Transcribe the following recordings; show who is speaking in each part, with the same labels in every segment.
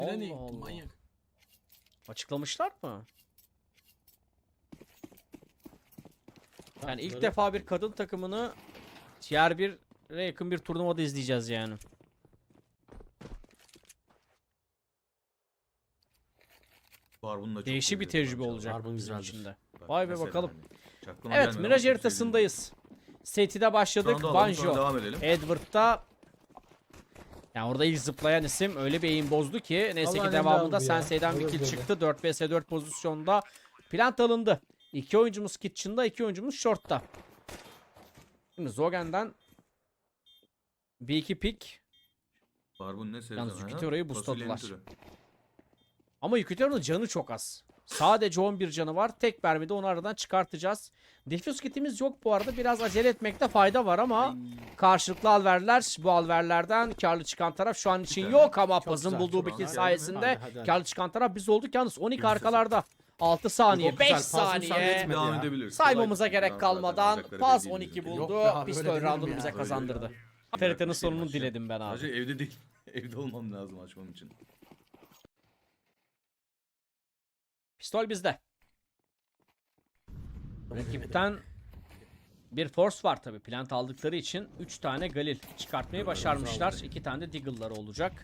Speaker 1: Allah
Speaker 2: Allah.
Speaker 1: Manyak.
Speaker 2: Açıklamışlar mı? Yani ilk
Speaker 3: Bunları-
Speaker 2: defa bir kadın takımını Tier 1'e yakın bir turnuvada izleyeceğiz yani.
Speaker 4: Barbun'la çok
Speaker 2: Değişik bir
Speaker 4: seviyorum
Speaker 2: tecrübe
Speaker 4: abi.
Speaker 2: olacak
Speaker 3: Barbun
Speaker 2: bizim
Speaker 3: güzeldir.
Speaker 2: için de.
Speaker 4: Bak,
Speaker 2: Vay be
Speaker 4: mesela
Speaker 2: bakalım.
Speaker 4: hani, hiç aklıma
Speaker 2: Evet,
Speaker 4: gelmedi ama
Speaker 2: Mirage
Speaker 4: çok
Speaker 2: haritasındayız. City'de başladık.
Speaker 4: sevdiğim. Sonra da alalım, sonra
Speaker 2: Banjo,
Speaker 4: devam edelim.
Speaker 2: Edward'da. Yani orada ilk zıplayan isim öyle bir eğim bozdu ki. Neyse ki
Speaker 1: Allah'ın
Speaker 2: devamında
Speaker 1: emri abi ya.
Speaker 2: Sensei'den bir
Speaker 1: Olur
Speaker 2: kill
Speaker 1: böyle.
Speaker 2: çıktı. 4 vs 4 pozisyonda plant alındı. 2 oyuncumuz Kitchen'da, 2 oyuncumuz Short'ta. Şimdi Zogen'den bir iki pick.
Speaker 4: Barbun ne sevdi?
Speaker 2: Yalnız
Speaker 4: ha?
Speaker 2: Yukitero'yu
Speaker 4: Fasulyenin
Speaker 2: boostladılar.
Speaker 4: türü.
Speaker 2: Ama Yukitero'nun canı çok az. Sadece 11 canı var. Tek mermide onu aradan çıkartacağız. Defuse kitimiz yok bu arada. Biraz acele etmekte fayda var ama karşılıklı alverler. Bu alverlerden karlı çıkan taraf şu an için
Speaker 4: tane.
Speaker 2: yok ama
Speaker 3: Çok
Speaker 2: Paz'ın
Speaker 3: güzel,
Speaker 2: bulduğu
Speaker 4: çok
Speaker 2: bir kill
Speaker 4: güzel.
Speaker 2: sayesinde
Speaker 3: Hadi.
Speaker 2: karlı çıkan taraf biz olduk. Yalnız 12
Speaker 4: Kimse
Speaker 2: arkalarda. 6 saniye,
Speaker 3: Çok
Speaker 2: 5
Speaker 3: güzel. Pas müsaade
Speaker 2: saniye.
Speaker 3: etmedi.
Speaker 4: Devam
Speaker 3: ya.
Speaker 4: edebiliriz.
Speaker 2: Saymamıza
Speaker 4: Kolay
Speaker 2: gerek
Speaker 4: zaten,
Speaker 2: kalmadan
Speaker 4: alacakları
Speaker 2: Paz
Speaker 4: belli
Speaker 2: 12
Speaker 4: değil.
Speaker 3: Yok
Speaker 2: buldu.
Speaker 3: be abi, öyle
Speaker 2: Pistol
Speaker 3: denir mi
Speaker 2: roundunu
Speaker 3: ya?
Speaker 2: bize
Speaker 4: Öyle
Speaker 2: kazandırdı.
Speaker 4: ya.
Speaker 2: TRT'nin
Speaker 4: Bir şey
Speaker 2: sonunu
Speaker 4: başlayalım.
Speaker 2: diledim ben abi.
Speaker 4: Sadece evde değil. Evde olmam lazım açmam için.
Speaker 2: Pistol bizde. Rakipten bir force var tabi. Plant aldıkları için 3 tane Galil çıkartmayı başarmışlar. 2 tane de Deagle'lar olacak.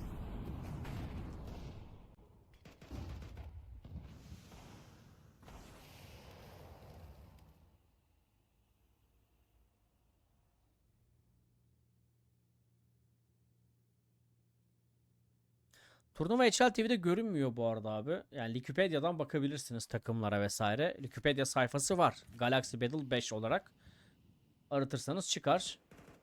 Speaker 2: Turnuva HL TV'de görünmüyor bu arada abi. Yani Wikipedia'dan bakabilirsiniz takımlara vesaire. Wikipedia sayfası var. Galaxy Battle 5 olarak. Aratırsanız çıkar.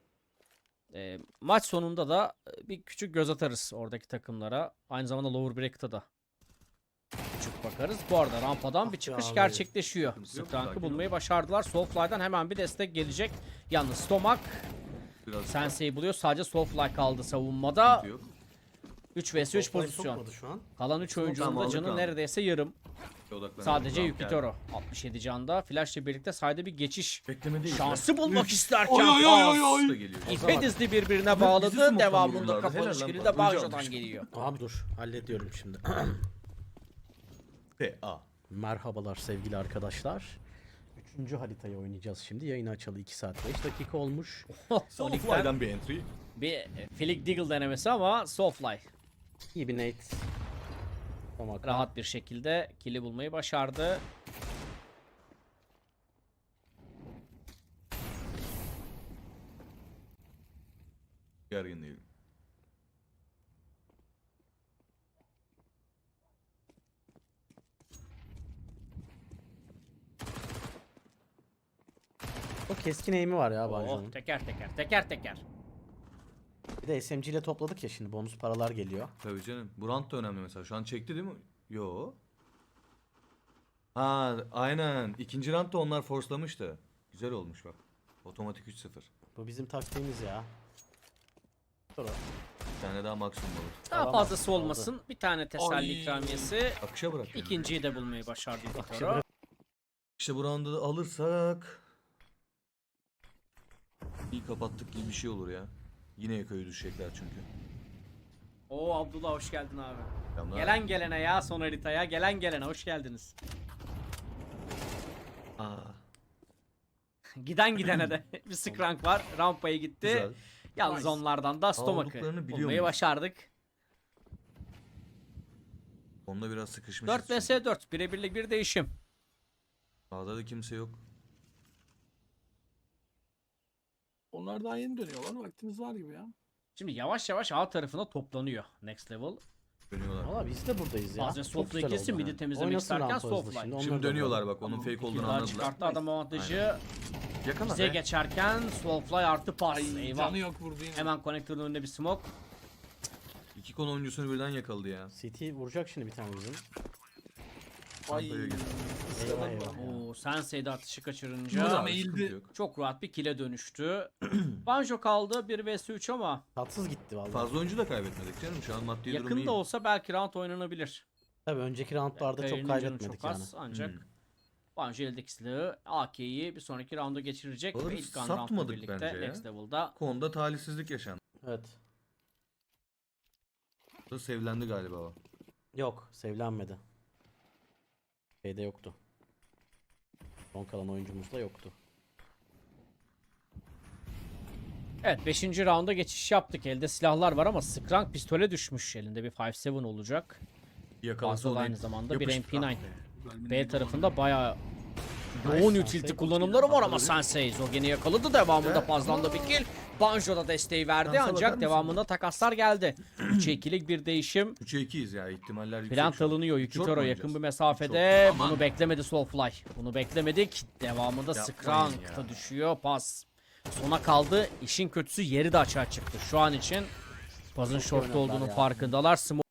Speaker 2: Maç sonunda da bir küçük göz atarız oradaki takımlara. Aynı zamanda Lower Bracket'a da küçük bakarız. Bu arada rampadan bir çıkış
Speaker 3: abi.
Speaker 2: gerçekleşiyor.
Speaker 4: Sıkıntı yok,
Speaker 2: Strank'ı
Speaker 4: sakin
Speaker 2: bulmayı
Speaker 4: ol.
Speaker 2: başardılar. Soulfly'dan hemen bir destek gelecek. Yalnız Stomak
Speaker 4: Biraz
Speaker 2: Sensei'yi buluyor. Sadece Soulfly kaldı savunmada.
Speaker 4: sıkıntı yok.
Speaker 2: 3 vs 3
Speaker 3: Softline
Speaker 2: pozisyon.
Speaker 3: sokmadı şu an.
Speaker 2: Kalan 3 oyuncunun
Speaker 4: Tamam,
Speaker 2: da
Speaker 4: aldık
Speaker 2: canı
Speaker 4: abi.
Speaker 2: neredeyse yarım.
Speaker 4: Odaklanalım.
Speaker 2: Sadece
Speaker 4: Tamam,
Speaker 2: Yukitoro 67 canda. Flash ile birlikte sayda bir geçiş
Speaker 4: Bekleme değil.
Speaker 2: şansı bulmak isterken
Speaker 1: Oy, oy, oy, oy, oy.
Speaker 4: Da geliyor.
Speaker 2: İpe dizdi birbirine
Speaker 4: bizi
Speaker 2: bağladı.
Speaker 4: smoke'tan
Speaker 2: Devamında
Speaker 4: vururlardı.
Speaker 2: kapanış
Speaker 4: Helal lan,
Speaker 2: kili
Speaker 4: bak,
Speaker 2: de
Speaker 4: önce
Speaker 2: Banjo'dan
Speaker 4: almış.
Speaker 2: geliyor.
Speaker 3: Abi dur, hallediyorum şimdi.
Speaker 4: PA.
Speaker 3: Merhabalar sevgili arkadaşlar. 3. haritayı oynayacağız şimdi. Yayını açalı 2 saat 5 dakika olmuş.
Speaker 2: Sonic'ten
Speaker 4: Soulfly'dan bir entry.
Speaker 2: bir Flick Deagle denemesi ama Soulfly
Speaker 3: İyi bir nate. Tamam.
Speaker 2: rahat bir şekilde kili bulmayı başardı.
Speaker 4: Gergin değilim.
Speaker 3: O keskin aim'i var ya
Speaker 2: Oh,
Speaker 3: Banjo'nun.
Speaker 2: teker teker.
Speaker 3: Bir de SMG ile topladık ya şimdi bonus paralar geliyor.
Speaker 4: Tabii canım. Bu round da önemli mesela. Şu an çekti değil mi? Yo. Ha aynen. İkinci round da onlar forcelamıştı. Güzel olmuş bak. Otomatik 3-0.
Speaker 3: Bu bizim taktiğimiz ya. Sonra
Speaker 4: Bir tane daha maksimum olur.
Speaker 2: Daha
Speaker 3: Alamaz,
Speaker 2: fazlası
Speaker 3: aldı.
Speaker 2: olmasın. Bir tane teselli
Speaker 1: Ay.
Speaker 2: ikramiyesi.
Speaker 4: Akışa bırak. yani.
Speaker 2: İkinciyi de bulmayı başardı Yukitoro.
Speaker 3: bırak.
Speaker 4: İşte bu round'u da alırsak iyi kapattık gibi bir şey olur ya. Yine Eko'yu düşecekler çünkü.
Speaker 2: Oo Abdullah hoş geldin abi.
Speaker 4: Yanlar-
Speaker 2: Gelen gelene ya son haritaya. Gelen gelene hoş geldiniz.
Speaker 4: Aa,
Speaker 2: Giden gidene de bir skrank var. Rampaya gitti.
Speaker 4: güzel.
Speaker 2: Yalnız
Speaker 4: Nice.
Speaker 2: onlardan da Stomak'ı
Speaker 4: Aldıklarını biliyor
Speaker 2: bulmayı
Speaker 4: muyuz?
Speaker 2: başardık.
Speaker 4: Onda biraz sıkışmışız.
Speaker 2: 4 vs 4. Birebirlik bir değişim.
Speaker 4: Sağda da kimse yok.
Speaker 1: Onlar daha yeni dönüyorlar. Vaktimiz var gibi ya.
Speaker 2: Şimdi yavaş yavaş A tarafına toplanıyor Next Level.
Speaker 4: Dönüyorlar.
Speaker 3: Valla biz de buradayız ya.
Speaker 2: Bazen
Speaker 3: Çok
Speaker 2: Soulfly
Speaker 3: güzel
Speaker 2: kesin
Speaker 3: oldu
Speaker 2: midi
Speaker 3: ha.
Speaker 2: temizlemek
Speaker 3: Oynasın
Speaker 2: isterken
Speaker 3: rampa hızlı
Speaker 2: Soulfly.
Speaker 3: şimdi,
Speaker 4: Şimdi
Speaker 3: onları da
Speaker 4: dönüyorlar
Speaker 3: alalım.
Speaker 4: bak onun fake
Speaker 2: İki
Speaker 4: olduğunu
Speaker 2: daha
Speaker 4: anladılar.
Speaker 2: çıkarttı adam avantajı.
Speaker 4: Yakala
Speaker 2: Bize
Speaker 4: be.
Speaker 2: geçerken Soulfly artı pas.
Speaker 1: Ay,
Speaker 2: Eyvah.
Speaker 1: canı yok vurdu yine.
Speaker 2: Hemen konektörün önünde bir smoke.
Speaker 4: İki konu oyuncusunu birden yakaladı ya.
Speaker 3: CT vuracak şimdi bir tane bizim.
Speaker 1: Ay.
Speaker 4: Rampaya gir.
Speaker 3: Eyvah eyvah.
Speaker 2: Oo, Sensei'de atışı
Speaker 1: Burada
Speaker 2: kaçırınca
Speaker 1: mı?
Speaker 4: Sıkıntı
Speaker 1: eğildi.
Speaker 4: yok.
Speaker 2: çok rahat bir kile dönüştü. Banjo kaldı 1 vs 3 ama
Speaker 3: Tatsız gitti valla.
Speaker 4: Fazla oyuncu da kaybetmedik canım. Şu an maddi durum iyi.
Speaker 2: yakında olsa belki round oynanabilir.
Speaker 3: Tabii önceki roundlarda çok
Speaker 2: Kaya'nın canı
Speaker 3: kaybetmedik
Speaker 2: çok
Speaker 3: yani.
Speaker 2: az ancak
Speaker 4: Hmm.
Speaker 2: Banjo eldeki silahı AK'yi bir sonraki rounda geçirecek.
Speaker 4: Alırız,
Speaker 2: Ve ilk gun
Speaker 4: satmadık
Speaker 2: roundla birlikte
Speaker 4: bence ya.
Speaker 2: Next Level'da
Speaker 4: Konuda talihsizlik yaşandı.
Speaker 3: Evet.
Speaker 4: Da sevlendi galiba o.
Speaker 3: Yok, sevlenmedi. Şeyde yoktu. Son kalan oyuncumuz da yoktu.
Speaker 2: Evet 5. raunda geçiş yaptık. Elde silahlar var ama Skrank pistole düşmüş. Elinde bir 5.7 olacak.
Speaker 4: Yakalasa
Speaker 2: Fazla da
Speaker 4: onu
Speaker 2: aynı zamanda bir
Speaker 4: yapıştır.
Speaker 2: MP9.
Speaker 1: Güzel bir
Speaker 2: B
Speaker 1: neydi
Speaker 2: tarafında bayağı yoğun
Speaker 3: Nice,
Speaker 2: utility
Speaker 3: Sensei.
Speaker 2: kullanımları var ama Sensei Zogen'i yakaladı. Devamında Paz'dan bir kill. Banjo da desteği verdi
Speaker 4: Dansa bakar
Speaker 2: ancak
Speaker 4: mısın?
Speaker 2: devamında takaslar geldi. 3'e 2'lik bir değişim.
Speaker 4: 3'e 2'yiz ya, ihtimaller yüksek.
Speaker 2: Plant
Speaker 4: şu an.
Speaker 2: alınıyor.
Speaker 4: Short mu
Speaker 2: Yukitoro
Speaker 4: oynayacağız?
Speaker 2: yakın bir mesafede.
Speaker 1: Aman.
Speaker 2: Bunu beklemedi Soulfly. Bunu beklemedik. Devamında
Speaker 4: Yapmayın
Speaker 2: Skrank
Speaker 4: ya.
Speaker 2: da düşüyor. Paz sona kaldı. İşin kötüsü yeri de açığa çıktı. Şu an için Paz'ın
Speaker 3: Çok iyi
Speaker 2: shortta
Speaker 3: oynadılar
Speaker 2: olduğunu
Speaker 3: ya.
Speaker 2: farkındalar. Smoke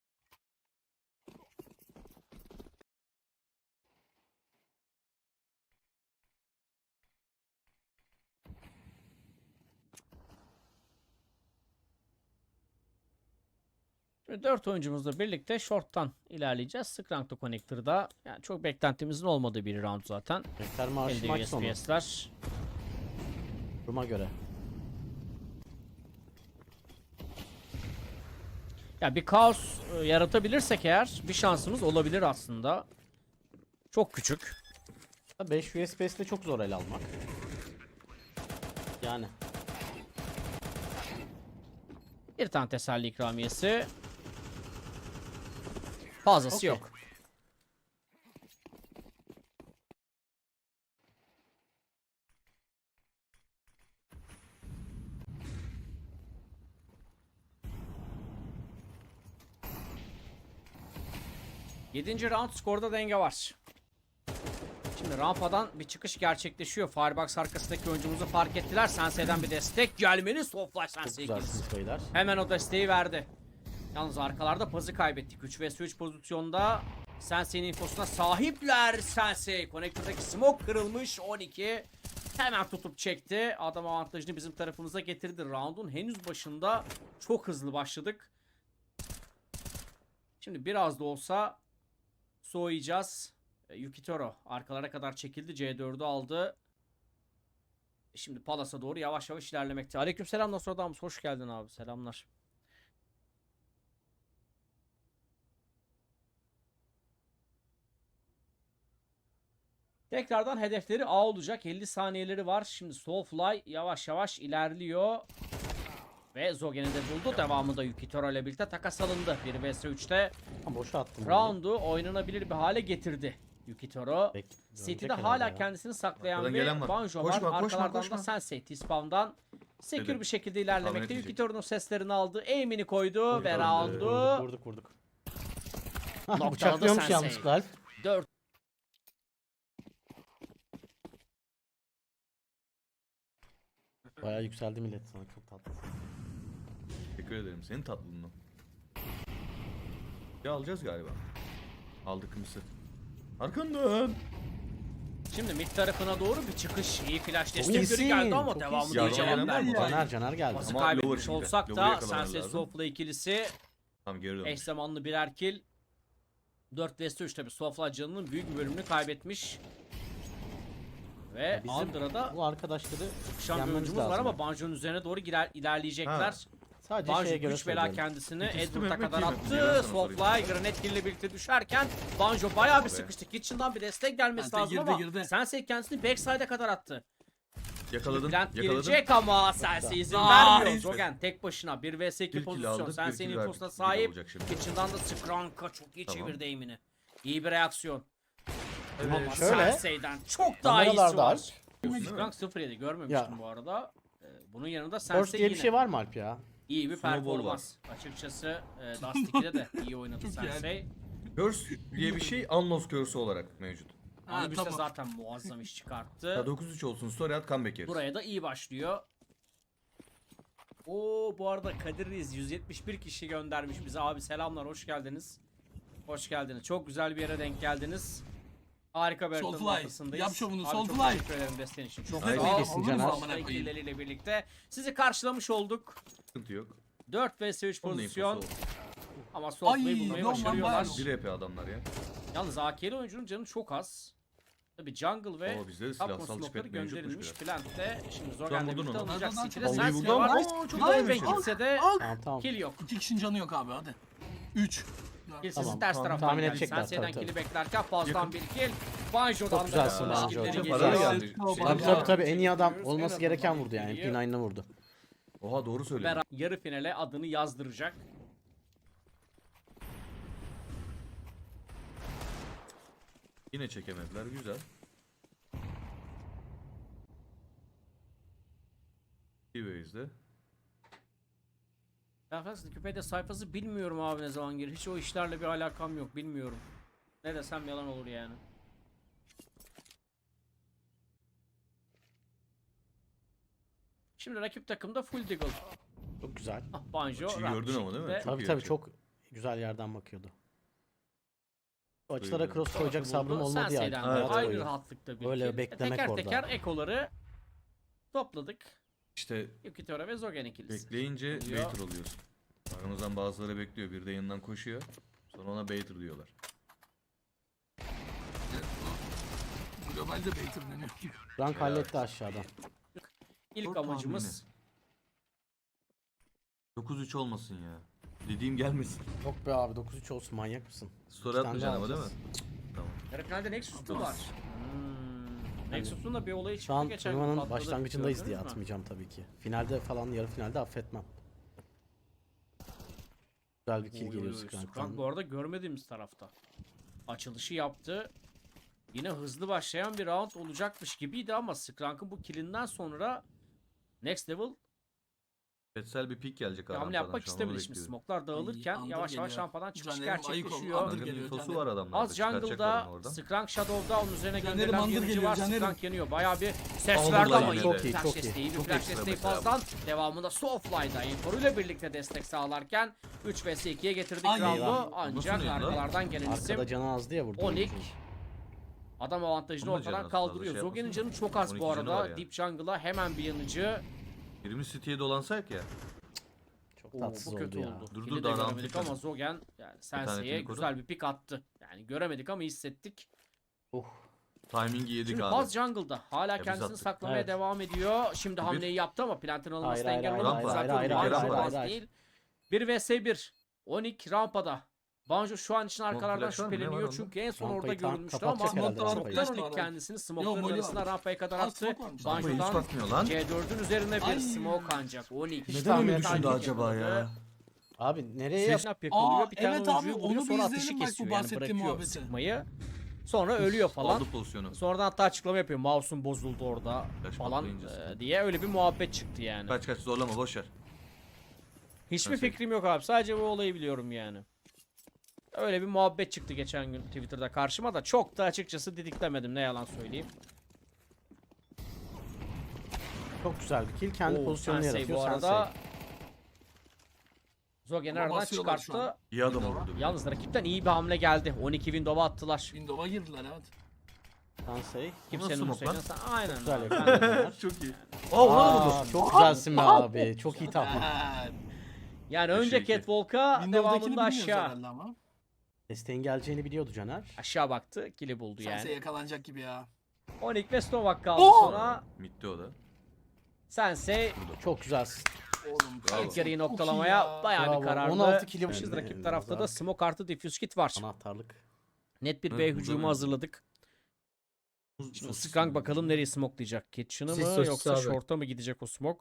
Speaker 2: Şimdi 4 oyuncumuzla birlikte short'tan ilerleyeceğiz. Skrank da Connector'da. Yani çok beklentimizin olmadığı bir round zaten.
Speaker 3: Rektar maaşı
Speaker 2: Elde
Speaker 3: maç sonu.
Speaker 2: USPS'ler.
Speaker 3: Duruma göre.
Speaker 2: Ya bir kaos yaratabilirsek eğer bir şansımız olabilir aslında. Çok küçük.
Speaker 3: 5 USPS'de çok zor el almak. Yani.
Speaker 2: Bir tane teselli ikramiyesi. Fazlası
Speaker 3: Okey.
Speaker 2: yok. Yedinci round skorda denge var. Şimdi rampadan bir çıkış gerçekleşiyor. Firebox arkasındaki oyuncumuzu fark ettiler. Sensei'den bir destek gelmeli. Soulfly
Speaker 3: Çok
Speaker 2: Sensei
Speaker 3: güzelsiniz
Speaker 2: ikilisi.
Speaker 3: beyler.
Speaker 2: Hemen o desteği verdi. Yalnız arkalarda pazı kaybettik. 3 vs 3 pozisyonda Sensei'nin infosuna sahipler. Sensei Connector'daki smoke kırılmış. 12 hemen tutup çekti. Adam avantajını bizim tarafımıza getirdi. Round'un henüz başında çok hızlı başladık. Şimdi biraz da olsa soğuyacağız. Yukitoro arkalara kadar çekildi. C4'ü aldı. Şimdi Palas'a doğru yavaş yavaş ilerlemekte. Aleykümselam Nostradamus. Hoş geldin abi. Selamlar. Tekrardan hedefleri A olacak. 50 saniyeleri var. Şimdi Soulfly yavaş yavaş ilerliyor. Ve Zogen'i de buldu. Devamında Yukitoro ile birlikte takas alındı. 1 vs 3'te
Speaker 3: Ha, boşa attım.
Speaker 2: round'u oynanabilir bir hale getirdi Yukitoro. City'de hala kendisini saklayan
Speaker 4: Arkadan
Speaker 2: bir
Speaker 4: gelen var.
Speaker 2: Banjo
Speaker 4: Koşma,
Speaker 2: var.
Speaker 4: koşma,
Speaker 2: Arkalardan
Speaker 4: koşma.
Speaker 2: da Sensei T-Spawn'dan sekür
Speaker 4: Dedim.
Speaker 2: bir şekilde
Speaker 4: Tahmin
Speaker 2: ilerlemekte.
Speaker 4: edecek.
Speaker 2: Yukitoro'nun seslerini aldı. Aim'ini koydu ve
Speaker 4: Vurduk,
Speaker 2: round'u
Speaker 3: Vurduk.
Speaker 2: Noktaladı
Speaker 3: Bıçaklıyormuş
Speaker 2: Sensei.
Speaker 3: yanlışlıkla Alp.
Speaker 2: 4
Speaker 3: Bayağı yükseldi millet sana, çok tatlı.
Speaker 4: Teşekkür ederim senin tatlılığına. Ya alacağız galiba. Aldık mısır. Arkandan.
Speaker 2: Şimdi mid tarafına doğru bir çıkış. İyi flash destekleri
Speaker 3: iyisin,
Speaker 2: geldi ama
Speaker 3: çok
Speaker 2: devamında
Speaker 4: iyisin.
Speaker 2: iyi cevap
Speaker 4: Yardım
Speaker 2: vermedi.
Speaker 4: gelen var mı?
Speaker 3: Caner geldi.
Speaker 2: Pası
Speaker 4: Ama
Speaker 2: kaybetmiş
Speaker 4: lower şimdi.
Speaker 2: olsak
Speaker 4: Lower'ı
Speaker 2: da
Speaker 4: yakalaman
Speaker 2: Sensei
Speaker 4: lazım.
Speaker 2: Soulfly ikilisi
Speaker 4: Tamam geri dön.
Speaker 2: eş zamanlı birer kill. 4 vs 3 tabi Soulfly canının büyük bir bölümünü kaybetmiş. Ve
Speaker 3: Bizim
Speaker 2: Under'a
Speaker 3: bu arkadaşları
Speaker 2: çıkışan bir
Speaker 3: yenmemiz
Speaker 2: oyuncumuz var
Speaker 3: lazım.
Speaker 2: ama Banjo'nun üzerine doğru ilerleyecekler.
Speaker 4: Ha.
Speaker 3: Sadece
Speaker 2: Banjo
Speaker 3: şeye göre
Speaker 2: güç bela
Speaker 3: söylüyorum.
Speaker 2: kendisini
Speaker 4: İkisi de
Speaker 2: Edward'a
Speaker 4: Mehmet
Speaker 2: kadar
Speaker 4: değil mi? Ben
Speaker 2: attı.
Speaker 4: sana
Speaker 2: Soulfly
Speaker 4: sorayım.
Speaker 2: Granate Kill ile birlikte düşerken Banjo bayağı bir
Speaker 4: Abi.
Speaker 2: sıkıştı. Kitchen'dan bir destek gelmesi
Speaker 1: Sensei
Speaker 2: lazım
Speaker 1: girdi,
Speaker 2: ama
Speaker 1: girdi.
Speaker 2: Sensei kendisini backside'e kadar attı.
Speaker 4: Yakaladın.
Speaker 2: Plant
Speaker 4: Yakaladın.
Speaker 2: girecek ama Sensei izin
Speaker 1: Nice.
Speaker 2: vermiyor. Zogen tek başına 1 vs 2
Speaker 4: Bir kill
Speaker 2: pozisyon.
Speaker 4: aldık, bir
Speaker 2: Sensei'nin
Speaker 4: kill
Speaker 2: infosuna
Speaker 4: verdik.
Speaker 2: sahip.
Speaker 4: Olacak şimdi.
Speaker 2: Kitchen'dan da Skranka çok iyi
Speaker 4: Tamam.
Speaker 2: çevirdi aim'ini. İyi bir reaksiyon.
Speaker 4: Evet.
Speaker 2: Ama
Speaker 3: şöyle.
Speaker 2: Sensei'den çok daha iyisi
Speaker 3: Kameralarda
Speaker 2: var.
Speaker 3: Alp.
Speaker 2: Skrank 0-7 görmemiştim
Speaker 3: Ya.
Speaker 2: bu arada. Bunun yanında
Speaker 3: Burst
Speaker 2: Sensei
Speaker 3: diye bir
Speaker 2: yine
Speaker 3: şey var mı Alp ya?
Speaker 2: iyi bir
Speaker 4: Snowball
Speaker 2: performans. Açıkçası Dust 2'de de iyi oynadı
Speaker 1: Çok iyi.
Speaker 2: Sensei.
Speaker 4: Curse diye bir şey Unlost Curse olarak mevcut.
Speaker 1: Ha,
Speaker 2: Anubis'te
Speaker 1: tamam.
Speaker 2: zaten muazzam iş
Speaker 4: Ya
Speaker 2: çıkarttı.
Speaker 4: 9-3 olsun, story at, comeback yeriz.
Speaker 2: Buraya da iyi başlıyor. Oo, bu arada Kadir Reis 171 kişi göndermiş bize. Abi selamlar, hoş geldiniz. Hoş geldiniz. Çok güzel bir yere denk geldiniz. Harika bir haritanın
Speaker 1: Soulfly,
Speaker 2: ortasındayız.
Speaker 1: yap şovunu,
Speaker 2: Abi çok
Speaker 1: Soulfly.
Speaker 2: teşekkür ederim desteğin için. Çok
Speaker 4: Ay,
Speaker 2: sağ ol.
Speaker 3: kesin Caner.
Speaker 2: Amına koyayım. Birlikte sizi karşılamış olduk.
Speaker 4: Sıkıntı yok.
Speaker 2: 4 vs 3
Speaker 4: Onun da
Speaker 2: pozisyon
Speaker 4: infosu oldu.
Speaker 2: ama Soulfly'ı
Speaker 1: Ay,
Speaker 2: bulmayı
Speaker 1: yok lan,
Speaker 2: başarıyorlar.
Speaker 1: bayağı.
Speaker 4: 1 EP adamlar ya.
Speaker 2: Yalnız AK'li oyuncunun canı çok az. Tabi jungle ve
Speaker 4: Ama bizde de
Speaker 2: Tapma
Speaker 4: silahsal
Speaker 2: smoke'ları
Speaker 4: chipet mevcutmuş
Speaker 2: gönderilmiş.
Speaker 4: biraz.
Speaker 2: Plant'te şimdi
Speaker 4: Sen
Speaker 2: Zogen'le
Speaker 4: vurdun
Speaker 2: birlikte
Speaker 4: onu.
Speaker 2: alınacak.
Speaker 1: Nereden
Speaker 2: City'de
Speaker 1: çok
Speaker 2: Sensei
Speaker 4: vurdum.
Speaker 2: var.
Speaker 4: Oo, çok
Speaker 2: Ay
Speaker 4: iyi
Speaker 2: ve
Speaker 4: bir şey.
Speaker 2: gitse de
Speaker 3: Tamam.
Speaker 2: kill yok.
Speaker 1: 2 kişinin canı yok abi hadi. 3.
Speaker 2: Kill sesi
Speaker 3: Tamam,
Speaker 2: ters
Speaker 3: tahmin
Speaker 2: taraftan geldi.
Speaker 3: edecekler,
Speaker 2: Sensei'den
Speaker 3: tabii, tabii.
Speaker 2: kill'i beklerken Faz'dan bir kill. Banjo'dan
Speaker 3: Çok
Speaker 2: da
Speaker 3: güzelsin Banjo.
Speaker 2: skill'leri
Speaker 3: Çok
Speaker 2: geliyor.
Speaker 4: para geldi.
Speaker 3: Tabii en iyi adam
Speaker 2: Görüyoruz.
Speaker 3: olması
Speaker 2: En
Speaker 3: gereken
Speaker 2: azından
Speaker 3: vurdu yani.
Speaker 2: geliyor.
Speaker 3: MP9'la vurdu.
Speaker 4: Oha doğru söylüyorsun.
Speaker 2: Berat yarı finale adını yazdıracak.
Speaker 4: Yine çekemediler. Güzel. T-Base'de.
Speaker 2: Ben aslında Wikipedia sayfası bilmiyorum abi ne zaman gelir. Hiç o işlerle bir alakam yok, bilmiyorum. Ne desem yalan olur yani. Şimdi rakip takımda full deagle.
Speaker 3: Çok güzel.
Speaker 2: Ah, Banjo
Speaker 4: Açıyı
Speaker 2: rahat bir
Speaker 4: gördün ama değil mi?
Speaker 2: şekilde
Speaker 4: Çok
Speaker 3: Tabii
Speaker 4: iyi
Speaker 3: tabii
Speaker 4: açı.
Speaker 3: çok güzel yerden bakıyordu. O açılara
Speaker 4: Buyurun.
Speaker 3: cross koyacak
Speaker 2: buldu.
Speaker 3: sabrım olmadı ya.
Speaker 2: Sensei'den de
Speaker 3: Hayat
Speaker 2: aynı
Speaker 3: boyu.
Speaker 2: rahatlıkta bir
Speaker 3: Öyle
Speaker 2: kill.
Speaker 3: beklemek
Speaker 2: Teker
Speaker 3: orada.
Speaker 2: teker ekoları topladık.
Speaker 4: İşte
Speaker 2: Yukitora ve Zogen ikilisi.
Speaker 4: bekleyince
Speaker 2: Oluyor.
Speaker 4: baiter oluyorsun. Aramızdan bazıları bekliyor. Bir de yanından koşuyor. Sonra ona baiter diyorlar.
Speaker 1: Globalde Baiter deniyor.
Speaker 3: Frank
Speaker 4: Helal.
Speaker 3: halletti aşağıdan.
Speaker 2: İlk
Speaker 4: Skor
Speaker 2: amacımız
Speaker 4: 9-3 olmasın ya. Dediğim gelmesin.
Speaker 3: Yok be abi 9-3 olsun manyak mısın?
Speaker 4: Story
Speaker 3: İki tane
Speaker 4: atmayacaksın
Speaker 3: daha
Speaker 4: ama değil mi?
Speaker 3: alacağız.
Speaker 4: Tamam.
Speaker 2: yarı finalde Nexus mu var? Nexus'un da bir olayı çıktı
Speaker 3: Şu an
Speaker 2: geçen gün
Speaker 3: turnuvanın
Speaker 2: patladı.
Speaker 3: başlangıcındayız diye
Speaker 2: Gördünüz mü?
Speaker 3: atmayacağım tabii ki. Finalde falan yarı finalde affetmem. Güzel bir kill
Speaker 2: Oy,
Speaker 3: geliyor
Speaker 2: oy, oy.
Speaker 3: Scrank'tan.
Speaker 2: Scrank bu arada görmediğimiz tarafta. Açılışı yaptı. Yine hızlı başlayan bir round olacakmış gibiydi ama Skrank'ın bu killinden sonra next level
Speaker 4: Betsel bir pik gelecek
Speaker 2: bir hamle
Speaker 4: aradan
Speaker 2: yapmak
Speaker 4: şu an, onu
Speaker 2: istemedi. Şimdi
Speaker 4: bekliyorum.
Speaker 2: smoke'lar dağılırken
Speaker 1: Under
Speaker 2: yavaş yavaş
Speaker 1: geliyor.
Speaker 2: rampadan çıkış
Speaker 1: Caner'im ayık ol,
Speaker 2: gerçekleşiyor.
Speaker 1: Under
Speaker 4: Bunların
Speaker 1: geliyor,
Speaker 4: infosu
Speaker 1: Caner'im.
Speaker 4: var adamlarda.
Speaker 2: Az jungle'da
Speaker 4: Çıkartacaklar onu oradan.
Speaker 2: Skrank Shadow'da onun üzerine
Speaker 1: Caner'im
Speaker 2: gönderilen
Speaker 1: Under
Speaker 2: bir yanıcı
Speaker 1: geliyor,
Speaker 2: var.
Speaker 1: Caner'im.
Speaker 2: Skrank yanıyor. Bayağı bir ses
Speaker 4: Under'la
Speaker 2: verdi ama
Speaker 4: yine
Speaker 2: iyi.
Speaker 3: Çok iyi,
Speaker 2: Flash
Speaker 3: çok iyi.
Speaker 2: desteği, bir
Speaker 4: Çok
Speaker 2: flash
Speaker 4: ekstra
Speaker 2: desteği
Speaker 4: mesela
Speaker 2: fazladan devamında Soulfly'da Infor'uyla birlikte destek sağlarken 3 vs 2'ye getirdik
Speaker 1: Ay,
Speaker 2: round'u.
Speaker 3: eyvah.
Speaker 2: Ancak
Speaker 4: Nasıl yedi lan?
Speaker 2: arkalardan gelen isim
Speaker 3: Arkada canı azdı ya vurdu.
Speaker 2: Onik adam avantajını
Speaker 4: Onun da canı
Speaker 2: ortadan
Speaker 4: az,
Speaker 2: kaldırıyor.
Speaker 4: fazla şey
Speaker 2: Zogen'in
Speaker 4: yapmasın
Speaker 2: canı çok az
Speaker 4: 12
Speaker 2: bu
Speaker 4: canı var
Speaker 2: arada.
Speaker 4: yani.
Speaker 2: Deep Jungle'a hemen bir yanıcı.
Speaker 4: Birimiz City'ye dolansak ya.
Speaker 3: Çok
Speaker 2: Oo,
Speaker 3: tatsız
Speaker 2: bu kötü
Speaker 3: oldu ya.
Speaker 2: oldu.
Speaker 4: Dur,
Speaker 2: Kill'i
Speaker 4: dur,
Speaker 2: de
Speaker 4: daha
Speaker 2: göremedik
Speaker 4: round
Speaker 2: ama Zogen yani Sensei'ye
Speaker 4: ping koru.
Speaker 2: güzel bir pik attı. Yani göremedik ama hissettik.
Speaker 4: Timing'i yedik
Speaker 2: Şimdi
Speaker 4: abi.
Speaker 2: Buzz Jungle'da hala
Speaker 4: biz
Speaker 2: kendisini
Speaker 4: attık.
Speaker 2: saklamaya
Speaker 3: Evet.
Speaker 2: devam ediyor. Şimdi hamleyi yaptı ama plantin alınmasına
Speaker 3: Hayır,
Speaker 2: engel
Speaker 3: hayır,
Speaker 2: olamadı.
Speaker 4: hayır,
Speaker 2: Zaten
Speaker 4: hayır,
Speaker 2: Banjo
Speaker 4: hayır, hayır,
Speaker 2: Buzz
Speaker 3: hayır.
Speaker 2: değil. 1 vs 1. Onik rampada. Banjo şu an için arkalardan
Speaker 4: flash var mı? Ne var
Speaker 2: şüpheleniyor
Speaker 4: onda?
Speaker 2: çünkü en son
Speaker 3: Rampayı
Speaker 2: orada
Speaker 3: tam
Speaker 2: görülmüştü
Speaker 3: kapatacak
Speaker 2: ama
Speaker 3: herhalde
Speaker 1: Smoke'lar
Speaker 3: rampayı.
Speaker 1: flash
Speaker 2: çoktan
Speaker 1: da
Speaker 2: Onik
Speaker 1: var.
Speaker 2: kendisini
Speaker 1: Yok,
Speaker 2: smoke'ların
Speaker 1: Molly
Speaker 2: arasına
Speaker 1: var.
Speaker 2: rampaya kadar
Speaker 1: Aa,
Speaker 2: attı.
Speaker 1: smoke varmış.
Speaker 4: Rampayı hiç
Speaker 2: Banjo'dan
Speaker 4: bakmıyor lan.
Speaker 2: C4'ün üzerine bir
Speaker 1: Ay.
Speaker 2: smoke ancak Onik.
Speaker 4: Neden öyle düşündü acaba ya?
Speaker 3: Abi nereye yap?
Speaker 2: Snap yakalıyor.
Speaker 1: Aa,
Speaker 2: Bir tane
Speaker 1: evet abi,
Speaker 2: oyuncuyu vuruyor
Speaker 1: onu bir
Speaker 2: sonra
Speaker 1: izleyelim
Speaker 2: ateşi
Speaker 1: bak bu
Speaker 2: kesiyor. Yani
Speaker 1: bahsettiğim
Speaker 2: bırakıyor
Speaker 1: muhabbeti.
Speaker 2: sıkmayı. Sonra ölüyor falan.
Speaker 4: Aldı pozisyonu.
Speaker 2: Sonradan hatta açıklama yapıyor. Mouse'um bozuldu orada
Speaker 4: Flash
Speaker 2: falan
Speaker 4: patlayınca sıkıntı.
Speaker 2: diye öyle bir muhabbet çıktı yani.
Speaker 4: Kaç kaç zorlama boşver.
Speaker 2: Hiçbir
Speaker 4: Nasıl?
Speaker 2: fikrim yok abi. Sadece bu olayı biliyorum yani. Öyle bir muhabbet çıktı geçen gün Twitter'da karşıma da çok da açıkçası didiklemedim ne yalan söyleyeyim.
Speaker 3: Çok güzel bir kill. Kendi
Speaker 2: Oo,
Speaker 3: pozisyonunu
Speaker 2: Sensei
Speaker 3: yaratıyor.
Speaker 2: bu arada Zogen'i
Speaker 1: Ama
Speaker 2: aradan
Speaker 1: basıyorlar şu
Speaker 2: çıkarttı.
Speaker 1: an.
Speaker 4: İyi adam vurdu. bir de.
Speaker 2: Yalnız rakipten iyi bir hamle geldi. 12 window'a attılar.
Speaker 1: Windows'a girdiler evet.
Speaker 3: Sensei.
Speaker 2: Kimsenin
Speaker 4: smoke lan?
Speaker 2: Hüseyin'e aynen.
Speaker 3: Güzel
Speaker 2: abi.
Speaker 3: yakaladılar.
Speaker 4: Çok iyi. Aa ona da vurdu.
Speaker 3: Aa, çok güzelsin be abi. Çok iyi tahmin.
Speaker 2: Yani
Speaker 4: Beşe
Speaker 2: önce
Speaker 4: iki.
Speaker 2: Catwalk'a
Speaker 1: Windows'dakini
Speaker 2: devamında
Speaker 1: bilmiyoruz
Speaker 2: aşağı.
Speaker 1: herhalde ama.
Speaker 3: Desteğin geleceğini biliyordu Caner.
Speaker 2: Aşağı baktı. Kili buldu
Speaker 1: Sensei
Speaker 2: yani.
Speaker 1: yakalanacak gibi ya.
Speaker 2: Onik ve Stovak kaldı
Speaker 1: Oo!
Speaker 2: sonra.
Speaker 4: Mitti o da.
Speaker 2: Sensei
Speaker 3: Çok güzelsin.
Speaker 1: Oğlum.
Speaker 4: Bravo.
Speaker 2: ilk yarıyı
Speaker 1: çok iyi
Speaker 2: noktalamaya
Speaker 1: ya.
Speaker 2: bayağı
Speaker 3: Bravo.
Speaker 2: bir kararlı.
Speaker 3: 16 kilo
Speaker 2: Yapmışız.
Speaker 3: bu.
Speaker 2: Rakip tarafta da
Speaker 3: Nazarlık.
Speaker 2: smoke artı diffuse kit var.
Speaker 3: Anahtarlık.
Speaker 2: Net bir
Speaker 4: Evet,
Speaker 2: B
Speaker 4: burada
Speaker 2: hücumu
Speaker 4: öyle.
Speaker 2: hazırladık. Şimdi Skrank bakalım nereyi smokelayacak. Kitchen'ı
Speaker 5: Sis
Speaker 2: mı
Speaker 5: sosis
Speaker 2: yoksa
Speaker 5: abi.
Speaker 2: short'a mı gidecek o smoke?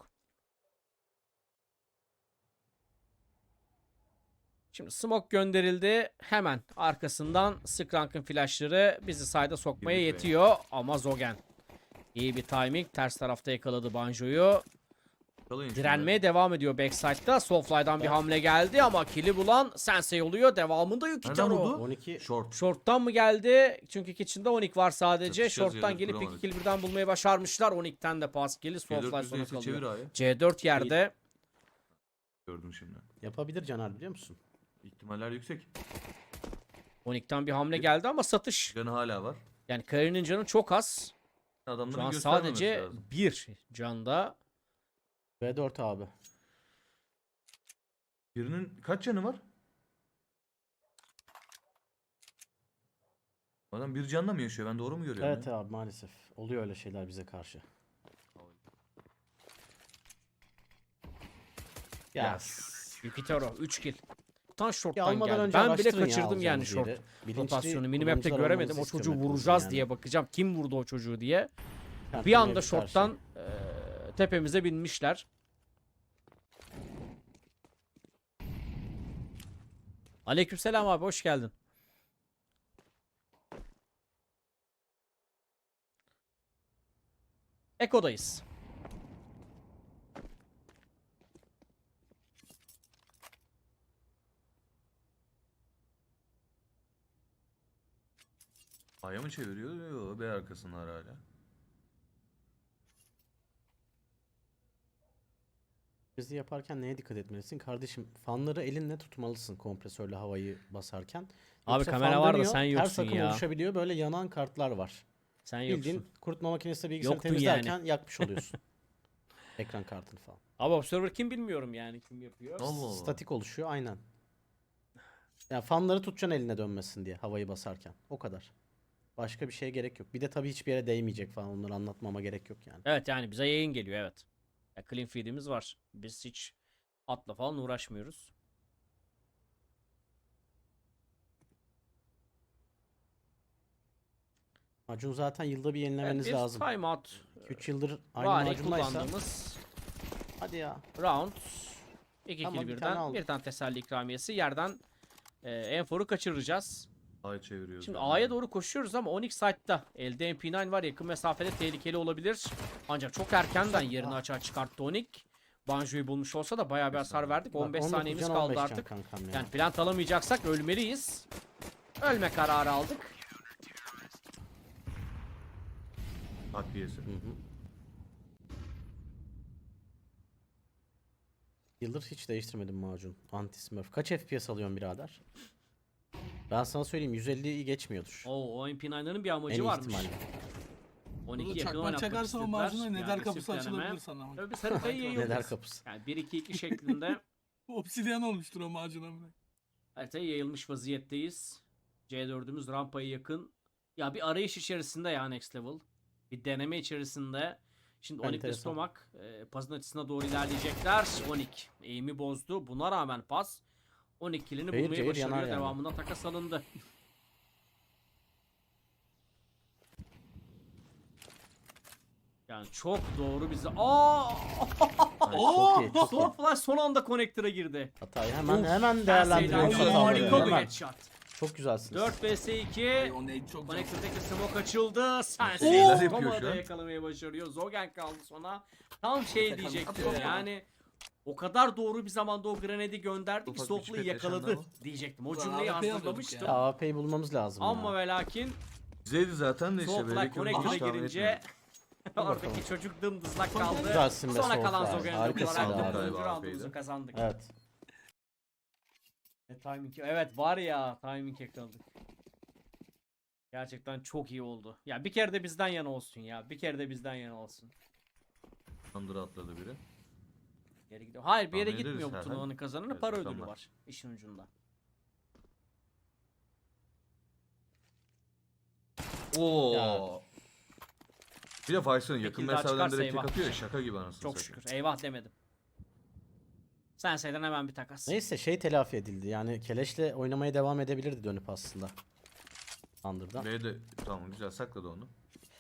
Speaker 2: Şimdi smoke gönderildi. Hemen arkasından Skrank'ın flashları bizi side'a sokmaya
Speaker 4: Girdik be.
Speaker 2: yetiyor. Ama Zogen iyi bir timing. Ters tarafta yakaladı Banjo'yu.
Speaker 4: Yakalayın
Speaker 2: Direnmeye devam ediyor backside'da. Soulfly'dan bir hamle geldi ama kill'i bulan Sensei oluyor. Devamında
Speaker 4: Nereden
Speaker 2: Yukitaro.
Speaker 4: buldu?
Speaker 3: 12.
Speaker 4: Short.
Speaker 2: Short'tan mı geldi? Çünkü Kitchen'da Onik var sadece.
Speaker 4: Yatışacağız
Speaker 2: Short'tan
Speaker 4: ya,
Speaker 2: gelip iki
Speaker 4: duramadık.
Speaker 2: kill birden bulmayı başarmışlar. Onik'ten de pas geldi. Soulfly
Speaker 4: C4
Speaker 2: sona
Speaker 4: yüzdeyse çevir
Speaker 2: kalıyor.
Speaker 4: A'ya.
Speaker 2: C4 yerde.
Speaker 4: Gördüm şimdi.
Speaker 3: Yapabilir Caner biliyor musun?
Speaker 4: İhtimaller yüksek.
Speaker 2: Onik'ten bir hamle geldi ama satış.
Speaker 4: Canı hala var.
Speaker 2: Yani Karin'in canı çok az.
Speaker 4: Adamların
Speaker 2: Şu an
Speaker 4: göstermemesi
Speaker 2: sadece
Speaker 4: lazım.
Speaker 2: bir canda.
Speaker 3: V4 abi.
Speaker 4: Birinin kaç canı var? Adam bir canla mı yaşıyor? Ben doğru mu görüyorum?
Speaker 3: Evet abi maalesef. Oluyor öyle şeyler bize karşı. Ya.
Speaker 2: Yukitaro 3 kill. çoktan
Speaker 3: Ya
Speaker 2: short'tan
Speaker 3: almadan
Speaker 2: geldi.
Speaker 3: önce
Speaker 2: Ben bile
Speaker 3: araştırın ya
Speaker 2: kaçırdım yani
Speaker 3: alacağınız
Speaker 2: short
Speaker 3: yeri. Bilinçli
Speaker 2: rotasyonu. Minimap'te
Speaker 3: kullanıcılar
Speaker 2: göremedim. O
Speaker 3: olmanızı
Speaker 2: çocuğu
Speaker 3: istiyorum
Speaker 2: vuracağız
Speaker 3: yani.
Speaker 2: diye bakacağım. Kim vurdu o çocuğu diye.
Speaker 3: Kart
Speaker 2: Bir anda
Speaker 3: mevcut her şey.
Speaker 2: short'tan tepemize binmişler. Aleykümselam abi, hoş geldin. Eko'dayız.
Speaker 4: Aya mı çeviriyor? Yok, B arkasındalar hala.
Speaker 3: Bizi yaparken neye dikkat etmelisin? Kardeşim fanları elinle tutmalısın kompresörle havayı basarken.
Speaker 2: Abi
Speaker 3: Yoksa
Speaker 2: kamera
Speaker 3: fan
Speaker 2: var da
Speaker 3: dönüyor,
Speaker 2: sen
Speaker 3: ters
Speaker 2: yoksun
Speaker 3: akım
Speaker 2: ya.
Speaker 3: oluşabiliyor. Böyle yanan kartlar var.
Speaker 2: Sen
Speaker 3: Bildiğin
Speaker 2: yoksun.
Speaker 3: kurutma makinesiyle bilgisayarı
Speaker 2: Yoktun
Speaker 3: temizlerken yakmış oluyorsun. Ekran kartını falan.
Speaker 2: Abi observer kim bilmiyorum yani, kim yapıyor.
Speaker 4: Allah Allah.
Speaker 3: Statik oluşuyor aynen. Yani fanları tutacaksın eline dönmesin diye havayı basarken. O kadar. Başka bir şeye gerek yok. Bir de tabii hiçbir yere değmeyecek falan. Onları anlatmama gerek yok yani.
Speaker 2: Evet, yani bize yayın geliyor, evet. Ya clean feed'imiz var. Biz hiç atla falan uğraşmıyoruz.
Speaker 3: Macun zaten yılda bir
Speaker 2: Evet,
Speaker 3: yenilemeniz
Speaker 2: bir
Speaker 3: lazım.
Speaker 2: timeout
Speaker 3: 2-3 yıldır aynı
Speaker 2: vari
Speaker 3: macundaysa.
Speaker 2: kullandığımız
Speaker 3: Hadi ya.
Speaker 2: round. 2
Speaker 3: Tamam,
Speaker 2: kill
Speaker 3: bir tane
Speaker 2: birden.
Speaker 3: aldık.
Speaker 2: Bir tane teselli ikramiyesi. Yerden enforu kaçıracağız.
Speaker 4: Aya çeviriyoruz.
Speaker 2: Şimdi
Speaker 4: yani.
Speaker 2: A'ya doğru koşuyoruz ama Onyx site'da. Elde MP9 var. Yakın mesafede tehlikeli olabilir. Ancak çok erkenden yerini açığa çıkarttı Onyx. Banjo'yu bulmuş olsa da bayağı bir hasar verdik.
Speaker 3: Bak,
Speaker 2: 15
Speaker 3: 19
Speaker 2: saniyemiz
Speaker 3: can,
Speaker 2: kaldı
Speaker 3: 15 can
Speaker 2: artık.
Speaker 3: kankam ya.
Speaker 2: Yani plant alamayacaksak ölmeliyiz. Ölme kararı aldık.
Speaker 4: Takviyesi.
Speaker 3: Hı hı. Yıldır hiç değiştirmedim macun. Anti-smurf. Kaç FPS alıyorsun birader? Ben sana söyleyeyim 150'yi geçmiyordur.
Speaker 2: Oo, o MP9'ların bir amacı
Speaker 3: En iyi
Speaker 2: varmış.
Speaker 3: ihtimalle.
Speaker 2: 12
Speaker 1: Burada
Speaker 2: yakın
Speaker 1: çakmak
Speaker 2: oynatmak
Speaker 1: çakarsa o
Speaker 2: istediler.
Speaker 1: macuna
Speaker 2: Bir
Speaker 1: neder
Speaker 2: agresif
Speaker 1: kapısı
Speaker 2: deneme.
Speaker 1: açılabilir sana.
Speaker 2: Tabii biz haritayı
Speaker 3: Neler
Speaker 2: yayılırız.
Speaker 3: kapısı.
Speaker 2: Yani 1-2-2 şeklinde
Speaker 1: Obsidyen olmuştur o macuna bile.
Speaker 2: haritaya yayılmış vaziyetteyiz. C4'ümüz rampaya yakın. Ya bir arayış içerisinde ya next level. Bir deneme içerisinde. Şimdi Onyx ve
Speaker 3: Enteresan.
Speaker 2: Stomak pasın açısına doğru ilerleyecekler. Onyx eğimi bozdu. Buna rağmen pas Onyx killini
Speaker 3: Cayır
Speaker 2: bulmayı
Speaker 3: cayır yanar
Speaker 2: başarıyor.
Speaker 3: yani.
Speaker 2: Devamında takas alındı. Yani çok doğru bize. Aa!
Speaker 3: Ay, çok iyi, çok iyi.
Speaker 2: Son flash son anda connector'a girdi.
Speaker 3: Hatayı hemen
Speaker 2: Uf,
Speaker 3: hemen değerlendiriyorsun
Speaker 2: Sensei'den
Speaker 3: hataları.
Speaker 2: harika bir
Speaker 3: Hemen.
Speaker 2: headshot.
Speaker 3: Çok güzelsiniz.
Speaker 2: 4 vs 2.
Speaker 1: O nade çok can.
Speaker 2: Connector'daki smoke açıldı.
Speaker 4: Oo!
Speaker 2: Sensei
Speaker 4: Neler yapıyor
Speaker 2: Toma'da
Speaker 4: şu an?
Speaker 2: yakalamayı başarıyor. Zogen kaldı sona. Tam şey
Speaker 1: Tek
Speaker 2: diyecektim
Speaker 1: atıyor.
Speaker 2: yani. O kadar doğru bir zamanda o grenadi gönderdi ki
Speaker 4: Ufak bir
Speaker 2: Sofla'yı
Speaker 4: çipet
Speaker 2: yakaladı
Speaker 4: yaşandı
Speaker 2: diyecektim. O
Speaker 1: Ulan
Speaker 2: cümleyi
Speaker 1: AWP alıyorduk
Speaker 2: hazırlamıştım.
Speaker 3: Ya AWP'yi bulmamız lazım
Speaker 2: Ama
Speaker 3: ya.
Speaker 2: ve lakin
Speaker 4: Güzeldi zaten de işte.
Speaker 2: Soulfly
Speaker 4: belki
Speaker 2: Connector'a
Speaker 4: onu hiç tahmin
Speaker 2: girince
Speaker 4: etmedim.
Speaker 2: oradaki çocuk dımdızlak kaldı.
Speaker 3: Güzelsin be
Speaker 2: Sonra kalan
Speaker 3: Soulfly.
Speaker 2: Zogen'i
Speaker 3: Harikasın
Speaker 2: olarak
Speaker 3: abi.
Speaker 2: da 4.
Speaker 4: Galiba
Speaker 2: roundumuzu
Speaker 4: AWP'ydi.
Speaker 2: kazandık.
Speaker 3: Evet.
Speaker 2: Timing. Evet var ya, timing yakaladık. Gerçekten çok iyi oldu. Ya bir kere de bizden yana olsun ya. Bir kere de bizden yana olsun.
Speaker 4: Under'a atladı biri.
Speaker 2: Yere gidiyor. Hayır, bir yere
Speaker 4: Tahmin ederiz
Speaker 2: gitmiyor bu
Speaker 4: herhalde.
Speaker 2: turnuvanın kazananı.
Speaker 4: Evet,
Speaker 2: Para ödülü
Speaker 4: bakalım.
Speaker 2: var işin ucunda.
Speaker 4: Oo.
Speaker 3: Ya.
Speaker 4: Bir de Faysal yakın
Speaker 2: kill daha
Speaker 4: mesafeden
Speaker 2: çıkarsa
Speaker 4: direkt tek
Speaker 2: eyvah.
Speaker 4: atıyor ya, şaka gibi anasını
Speaker 2: Çok
Speaker 4: satayım.
Speaker 2: şükür. Eyvah demedim. Sensei'den hemen bir takas.
Speaker 3: Neyse şey telafi edildi. Yani Keleş'le oynamaya devam edebilirdi dönüp aslında. Under'dan.
Speaker 4: B'de tamam güzel sakladı onu.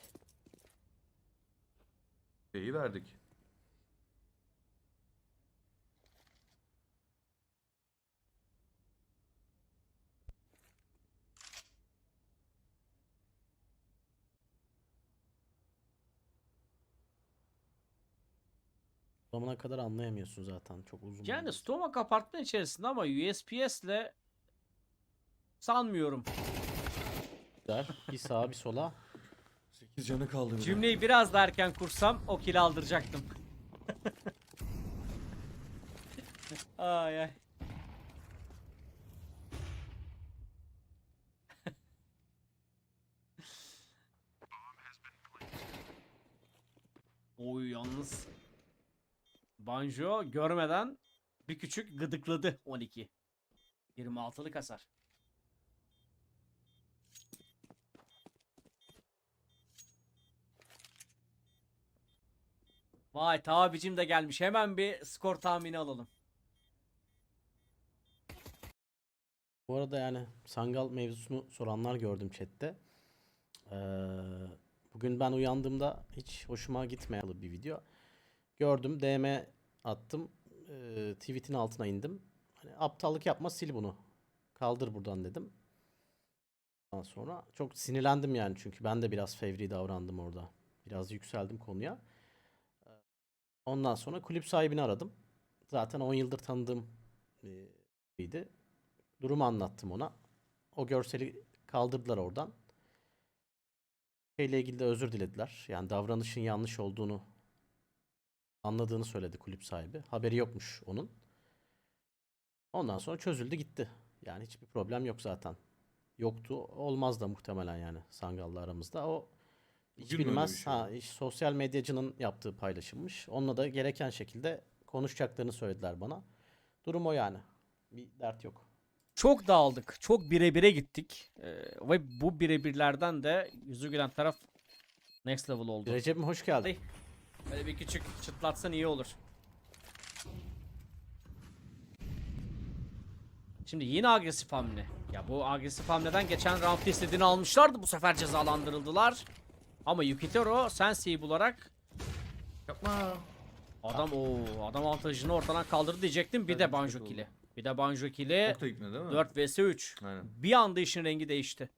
Speaker 4: B'yi verdik.
Speaker 3: O zamana kadar anlayamıyorsun zaten. Çok uzun.
Speaker 2: Yani
Speaker 3: oldu.
Speaker 2: Stomak apartman içerisinde ama USPS'le sanmıyorum.
Speaker 3: Güzel. Bir sağa bir sola.
Speaker 4: 8 canı kaldı bir de.
Speaker 2: Cümleyi biraz daha erken kursam o kill aldıracaktım. Ay ay. Oy yalnız. Banjo görmeden bir küçük gıdıkladı 12. 26'lık hasar. Vay tabicim de gelmiş. Hemen bir skor tahmini alalım.
Speaker 3: Bu arada yani Sangal mevzusunu soranlar gördüm chatte. Bugün ben uyandığımda hiç hoşuma gitmeyen bir video. Gördüm, DM attım. Tweet'in altına indim. Hani aptallık yapma, sil bunu. Kaldır buradan dedim. Ondan sonra çok sinirlendim yani, çünkü ben de biraz fevri davrandım orada. Biraz yükseldim konuya. Ondan sonra kulüp sahibini aradım. Zaten 10 yıldır tanıdığım biriydi. Durumu anlattım ona. O görseli kaldırdılar oradan. Şeyle ilgili de özür dilediler. Yani davranışın yanlış olduğunu anladığını söyledi kulüp sahibi. Haberi yokmuş onun. Ondan sonra çözüldü gitti. Yani hiçbir problem yok zaten. Yoktu. Olmaz da muhtemelen yani Sangal'la aramızda. O hiç
Speaker 4: Bugün mü öyle
Speaker 3: bilmez.
Speaker 4: bir şey oldu?
Speaker 3: Sosyal medyacının yaptığı paylaşılmış. Onunla da gereken şekilde konuşacaklarını söylediler bana. Durum o yani. Bir dert yok.
Speaker 2: Çok dağıldık. Çok bire gittik. Ve bu birebirlerden de yüzü gülen taraf next level oldu.
Speaker 3: Recep'im hoş geldin.
Speaker 2: Böyle bir küçük çıtlatsan iyi olur. Şimdi yine agresif hamle. Ya bu agresif hamleden geçen roundda istediğini almışlardı. Bu sefer cezalandırıldılar. Ama Yukitero Sensei'yi bularak
Speaker 4: Yapma.
Speaker 2: adam avantajını ortadan kaldırdı diyecektim. Bir
Speaker 4: Evet,
Speaker 2: de
Speaker 4: kötü
Speaker 2: Banjo
Speaker 4: oldu.
Speaker 2: kill'i. Bir de Banjo kill'i.
Speaker 4: Çok da gitmedi değil mi?
Speaker 2: 4 vs 3.
Speaker 4: Aynen.
Speaker 2: Bir anda işin rengi değişti.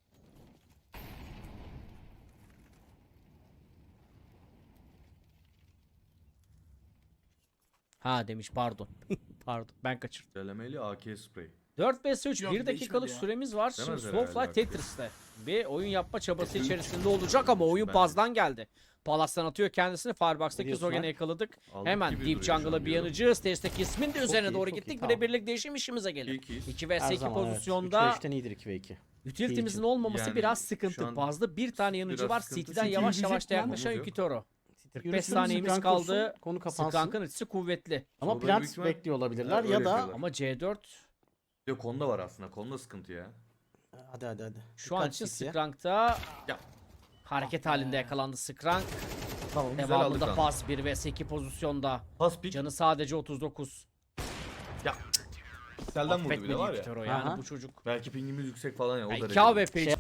Speaker 2: Ha demiş pardon. Pardon ben kaçırdım.
Speaker 4: Delemeli AK spray.
Speaker 2: 4 vs 3
Speaker 1: Yok,
Speaker 2: 1 dakikalık
Speaker 1: değişmedi ya.
Speaker 2: süremiz var. Şimdi
Speaker 4: Demezler
Speaker 2: Soulfly
Speaker 4: herhalde
Speaker 2: Tetris'te bir oyun yapma çabası
Speaker 4: Kesin.
Speaker 2: içerisinde olacak ama oyun
Speaker 4: Bence.
Speaker 2: pazdan geldi. Palas'tan atıyor kendisini.
Speaker 3: Ne
Speaker 2: Firebox'taki
Speaker 3: diyorsun
Speaker 2: Zogen'i
Speaker 3: lan?
Speaker 2: yakaladık.
Speaker 4: Aldık
Speaker 2: Hemen
Speaker 4: gibi
Speaker 2: Deep
Speaker 4: duruyor şu an
Speaker 2: Jungle'a bir
Speaker 4: diyorum.
Speaker 2: yanıcı. Stage'deki ismin de üzerine
Speaker 3: iyi,
Speaker 2: doğru
Speaker 3: çok iyi,
Speaker 2: gittik.
Speaker 3: tamam.
Speaker 2: Birebirlik değişim işimize gelir.
Speaker 4: İkiyiz.
Speaker 2: 2
Speaker 3: Her
Speaker 2: vs 2
Speaker 3: zaman
Speaker 2: pozisyonda
Speaker 3: evet. 3 ve 3'ten iyidir 2 ve 2.
Speaker 2: utility'mizin
Speaker 3: için.
Speaker 2: olmaması
Speaker 4: Yani
Speaker 2: biraz
Speaker 4: şu
Speaker 2: sıkıntı.
Speaker 4: an
Speaker 2: Bazda bir tane yanıcı
Speaker 4: biraz
Speaker 2: var.
Speaker 4: sıkıntı.
Speaker 2: City'den
Speaker 4: Çünkü
Speaker 2: yavaş
Speaker 1: yürüyecek
Speaker 2: yavaş da
Speaker 1: lan.
Speaker 2: yaklaşan
Speaker 4: Omuz yok.
Speaker 2: Yukitoro. 45
Speaker 3: Yürüsün,
Speaker 2: saniyemiz
Speaker 3: Scrank
Speaker 2: kaldı.
Speaker 3: olsun, konu kapansın.
Speaker 2: Skrank'ın ultisi kuvvetli.
Speaker 3: Ama
Speaker 4: Sonra
Speaker 3: plant
Speaker 4: büyük ihtimal-
Speaker 3: bekliyor olabilirler
Speaker 4: Öyle
Speaker 3: ya da
Speaker 4: yapıyorlar.
Speaker 2: Ama C4
Speaker 4: Yok Konda var aslında. Konda sıkıntı ya.
Speaker 3: hadi.
Speaker 2: şu an
Speaker 3: Dikkat
Speaker 2: için
Speaker 3: CC'ye.
Speaker 2: Skrank'ta
Speaker 4: Ya.
Speaker 2: hareket halinde yakalandı Skrank.
Speaker 4: Tamam güzel aldık
Speaker 2: Devamında
Speaker 4: lan.
Speaker 2: pas 1 vs 2 pozisyonda.
Speaker 4: Pas pik.
Speaker 2: Canı sadece 39.
Speaker 4: Ya. Selden vurdu bir
Speaker 2: Affetmedi
Speaker 4: de var ya.
Speaker 2: Yukitoro yani
Speaker 3: Aha.
Speaker 2: bu çocuk.
Speaker 4: Belki pingimiz yüksek falan ya o
Speaker 2: Yani
Speaker 4: derece.
Speaker 2: 2 AWP
Speaker 3: Şey-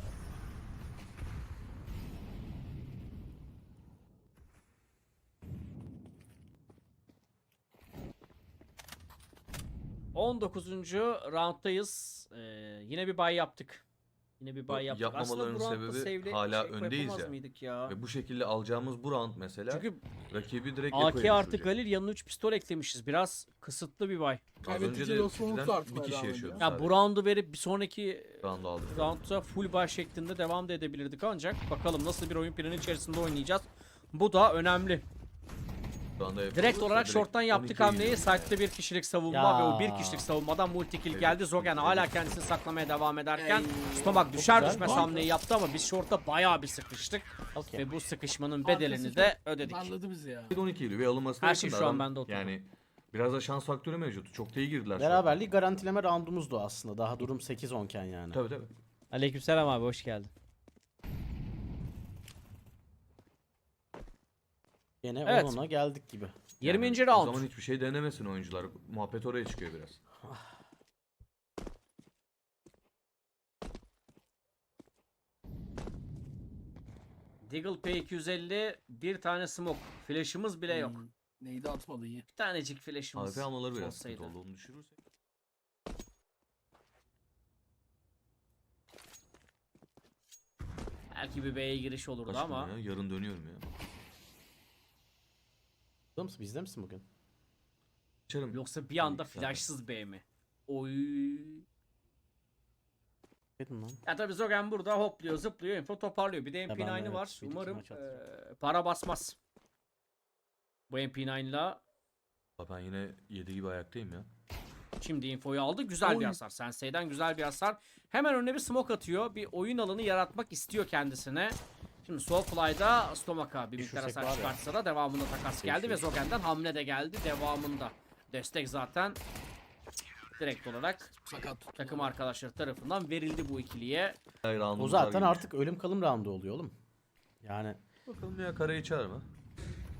Speaker 2: 19. rounddayız. Yine bir buy yaptık. Yine bir buy yaptık. Aslında bu
Speaker 4: Yapmamalarının
Speaker 2: roundda
Speaker 4: sebebi
Speaker 2: save'le
Speaker 4: hala
Speaker 2: şey
Speaker 4: öndeyiz
Speaker 2: yapamaz
Speaker 4: ya.
Speaker 2: mıydık ya?
Speaker 4: Ve bu şekilde alacağımız bu round mesela
Speaker 2: Çünkü
Speaker 4: rakibi direkt
Speaker 2: AK
Speaker 4: Eko'ya
Speaker 2: artı
Speaker 4: düşürecek.
Speaker 2: Galil yanına 3 pistol eklemişiz. Biraz kısıtlı bir buy.
Speaker 4: Az önce
Speaker 1: Kaybedeceği
Speaker 4: de
Speaker 1: dostumluk
Speaker 4: City'den
Speaker 1: artmaya
Speaker 4: bir kişi
Speaker 1: devam
Speaker 4: yaşıyordu.
Speaker 1: ediyor.
Speaker 2: Ya bu roundu verip bir sonraki
Speaker 4: round'u aldık.
Speaker 2: roundda full buy şeklinde devam da edebilirdik ancak bakalım nasıl bir oyun planı içerisinde oynayacağız. Bu da önemli.
Speaker 4: Şu anda
Speaker 2: Direkt
Speaker 4: yapıyoruz da
Speaker 2: olarak
Speaker 4: direkt
Speaker 2: short'tan yaptık
Speaker 4: 12'ye
Speaker 2: hamleyi.
Speaker 4: gidiyoruz.
Speaker 2: Site'de bir kişilik savunma
Speaker 3: Ya.
Speaker 2: ve o bir kişilik savunmadan multi kill
Speaker 4: Evet,
Speaker 2: geldi. Zogen
Speaker 4: evet.
Speaker 2: hala kendisini saklamaya devam ederken Stomak
Speaker 3: Çok
Speaker 2: düşer
Speaker 3: güzel.
Speaker 2: düşmez
Speaker 3: Harika.
Speaker 2: hamleyi yaptı ama biz short'ta bayağı bir sıkıştık.
Speaker 3: Okey.
Speaker 2: Ve bu sıkışmanın bedelini
Speaker 1: Arkası
Speaker 2: de
Speaker 1: çok
Speaker 2: ödedik.
Speaker 1: Darladı bizi ya.
Speaker 4: 12 idi ve alınması
Speaker 2: Her şey şu an bende oturdu.
Speaker 4: Yani biraz da şans faktörü mevcut. Çok da iyi girdiler.
Speaker 3: Beraberliği garantileme roundumuzdu aslında. Daha durum 8-10 iken yani.
Speaker 4: Tabii tabii.
Speaker 2: Aleykümselam abi hoş geldin.
Speaker 3: Yine
Speaker 2: Evet.
Speaker 3: 10-10'a geldik gibi.
Speaker 2: 20.
Speaker 4: O
Speaker 2: round.
Speaker 4: zaman hiçbir şey denemesin oyuncular. Muhabbet oraya çıkıyor biraz.
Speaker 2: Deagle P250 bir tane smoke. Flash'ımız bile yok.
Speaker 1: Neydi atmadı iyi.
Speaker 2: Bir tanecik flash'ımız
Speaker 4: AWP almaları biraz
Speaker 2: olsaydı.
Speaker 4: sıkıntı oldu. Onu düşürürsek.
Speaker 2: Belki bir B'ye giriş olurdu
Speaker 4: Kaç
Speaker 2: ama.
Speaker 4: gün ya? Yarın dönüyorum ya.
Speaker 3: Burada mısın? Bizde misin bugün?
Speaker 4: Açarım.
Speaker 2: Yoksa bir anda
Speaker 4: Zaten.
Speaker 2: flashsız B mi? Oy.
Speaker 3: Dedim lan.
Speaker 2: Ya tabii Zogen burada hopluyor, zıplıyor, info toparlıyor. Bir de
Speaker 3: ben
Speaker 2: MP9'ı
Speaker 3: evet,
Speaker 2: var.
Speaker 3: bir iki
Speaker 2: Umarım
Speaker 3: maç atacağım.
Speaker 2: para basmaz. Bu MP9'la
Speaker 4: Ben yine 7 gibi ayaktayım ya.
Speaker 2: şimdi infoyu aldı. Güzel bir
Speaker 1: Oy.
Speaker 2: hasar. Sensei'den güzel bir hasar. Hemen önüne bir smoke atıyor. Bir oyun alanı yaratmak istiyor kendisine. Şimdi Soulfly'da Stomak'a bir miktar
Speaker 3: Düşürsek
Speaker 2: hasar
Speaker 3: var ya.
Speaker 2: çıkartsa da devamında takas geldi ve
Speaker 4: Değişiyor.
Speaker 2: Zogen'den hamle de geldi devamında. Destek zaten direkt olarak
Speaker 1: Sakat tuttu.
Speaker 2: takım arkadaşları tarafından verildi bu ikiliye.
Speaker 4: Hayır,
Speaker 3: O
Speaker 4: roundumuz var
Speaker 3: zaten
Speaker 4: gibi.
Speaker 3: artık ölüm kalım roundu oluyor oğlum. Yani
Speaker 4: Bakalım ya karayı çağır mı?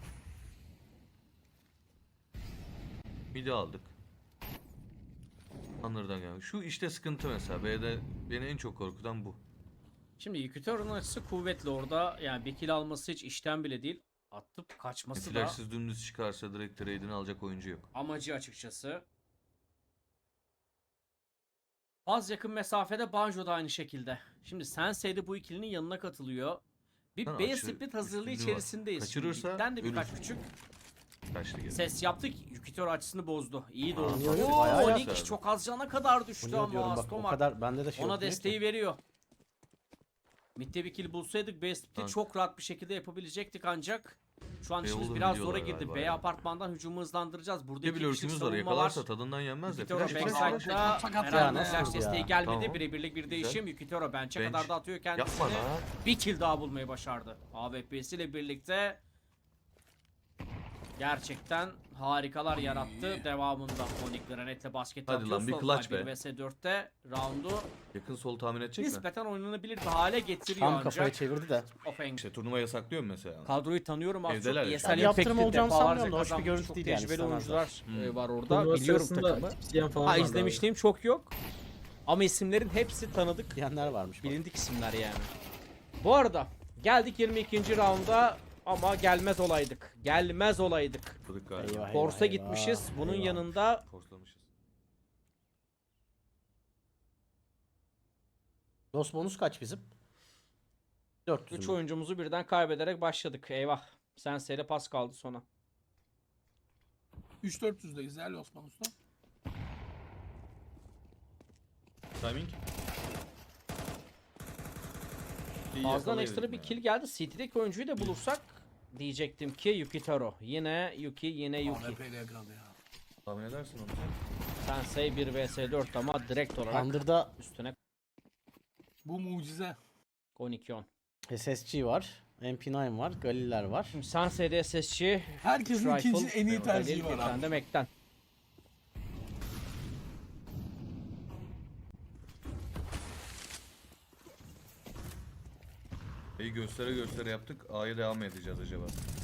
Speaker 4: Midi aldık. Anlardan gelmiş. Şu işte sıkıntı mesela. B'de beni en çok korkutan bu.
Speaker 2: Şimdi Yukitero'nun açısı kuvvetli orada. Yani bir kill alması hiç işten bile değil. Atıp kaçması da
Speaker 4: Flashsız dümdüz çıkarsa direkt trade'ini alacak oyuncu yok.
Speaker 2: amacı açıkçası. Az yakın mesafede Banjo da aynı şekilde. Şimdi Sensei de bu ikilinin yanına katılıyor. Bir
Speaker 4: Lan
Speaker 2: B
Speaker 4: açı
Speaker 2: split hazırlığı
Speaker 4: üstünlüğü var.
Speaker 2: içerisindeyiz.
Speaker 4: Kaçırırsa
Speaker 2: Mid'den de birkaç
Speaker 4: ölürsün.
Speaker 2: küçük
Speaker 4: Kaçtı geri.
Speaker 2: ses yaptık. Yukitero açısını bozdu. İyi de
Speaker 4: Aa,
Speaker 2: oldu.
Speaker 3: tabii,
Speaker 2: Oo,
Speaker 3: bayağı
Speaker 2: Onyx
Speaker 4: yaptı.
Speaker 2: çok az cana kadar düştü
Speaker 3: Bunu diyorum
Speaker 2: ama
Speaker 3: bak o
Speaker 2: Stomak
Speaker 3: kadar bende de şey
Speaker 2: ona
Speaker 3: yok değil
Speaker 2: desteği
Speaker 3: ki.
Speaker 2: veriyor. Mid'de bir kill bulsaydık B split'i
Speaker 4: Kanka.
Speaker 2: çok rahat bir şekilde yapabilecektik ancak şu an işimiz
Speaker 4: Beyoğlu'nu
Speaker 2: biraz zora
Speaker 4: biliyorlar
Speaker 2: girdi.
Speaker 4: galiba
Speaker 2: B
Speaker 4: ya.
Speaker 2: apartmandan hücumu hızlandıracağız. Burada
Speaker 4: Bir de
Speaker 2: iki
Speaker 4: bir
Speaker 2: kişilik
Speaker 4: lurkümüz var.
Speaker 2: savunma var.
Speaker 4: Yakalarsa tadından yenmez de.
Speaker 2: Yukitero
Speaker 4: Flash
Speaker 1: Flash
Speaker 4: flash.
Speaker 2: backside'da
Speaker 1: sakat
Speaker 2: herhangi
Speaker 3: ya,
Speaker 2: bir
Speaker 3: nasıl
Speaker 2: flash
Speaker 3: ya?
Speaker 2: desteği gelmedi.
Speaker 4: Tamam.
Speaker 2: Birebirlik bir
Speaker 4: Güzel.
Speaker 2: değişim. Yukitero bench'e
Speaker 4: Bench.
Speaker 2: kadar da atıyor kendisini.
Speaker 4: Yapma lan.
Speaker 2: Bir kill daha bulmayı başardı. AWP'siyle birlikte gerçekten harikalar yarattı. Devamında Onyx Granet'le basket
Speaker 4: Hadi
Speaker 2: atıyor.
Speaker 4: lan, bir
Speaker 2: Sol
Speaker 4: clutch
Speaker 2: side
Speaker 4: be.
Speaker 2: 1vs4'te roundu
Speaker 4: Yakın sol tahmin edecek mi?
Speaker 2: nispeten oynanabilir bir hale getiriyor
Speaker 3: Tam
Speaker 2: ancak.
Speaker 3: kafayı çevirdi de.
Speaker 2: Offense.
Speaker 4: İşte turnuva yasaklıyor mu mesela?
Speaker 2: Kadroyu tanıyorum az
Speaker 4: Evdeler
Speaker 2: çok.
Speaker 4: ya.
Speaker 2: ESL
Speaker 3: Yani yaptırım
Speaker 2: Impact'te
Speaker 3: olacağını
Speaker 2: defalarca
Speaker 3: sanmıyorum da hoş bir
Speaker 2: kazanmış,
Speaker 3: görüntü
Speaker 2: çok
Speaker 3: değil yani,
Speaker 2: tecrübeli
Speaker 3: istemezler.
Speaker 2: oyuncular
Speaker 4: Hmm.
Speaker 2: var orada.
Speaker 1: Turnuva
Speaker 2: Biliyorum
Speaker 1: sırasında
Speaker 2: takımı.
Speaker 1: isteyen falan
Speaker 2: Ha
Speaker 1: vardı
Speaker 2: izlemişliğim çok yok. Ama isimlerin hepsi tanıdık.
Speaker 3: Diyenler varmış. Bak.
Speaker 2: Bilindik isimler yani. Bu arada geldik 22. raunda ama gelmez olaydık. Gelmez olaydık.
Speaker 4: Kırık galiba.
Speaker 3: Eyvah,
Speaker 2: Force'a
Speaker 3: eyvah,
Speaker 2: gitmişiz. Bunun
Speaker 3: eyvah.
Speaker 2: yanında
Speaker 4: Forslamışız.
Speaker 3: Dos bonus kaç bizim? 400
Speaker 2: 3
Speaker 3: mü?
Speaker 2: oyuncumuzu birden kaybederek başladık. Eyvah. Sensei'de pas kaldı sona.
Speaker 1: 3-400'deyiz ya Osman Usta.
Speaker 4: Timing.
Speaker 2: Fazladan ekstra bir kill geldi. CT'deki oyuncuyu da bulursak diyecektim ki Yukitero. Yine Yuki, yine Yuki.
Speaker 1: AWP'yle yakaladı ya.
Speaker 4: Tahmin edersin onu.
Speaker 2: Sensei 1 vs 4 ama direkt olarak
Speaker 3: Under'da
Speaker 2: üstüne
Speaker 1: Bu mucize.
Speaker 2: 12-10.
Speaker 3: SSG var. MP9 var. Galiler var.
Speaker 2: Şimdi Sensei'de SSG,
Speaker 1: Herkesin
Speaker 2: Rifle,
Speaker 1: ikinci en iyi
Speaker 2: Galil,
Speaker 1: tercihi var
Speaker 2: bir tane
Speaker 1: abi.
Speaker 2: de Mac'ten.
Speaker 4: B'yi göstere göstere yaptık. A'ya devam mı edeceğiz acaba?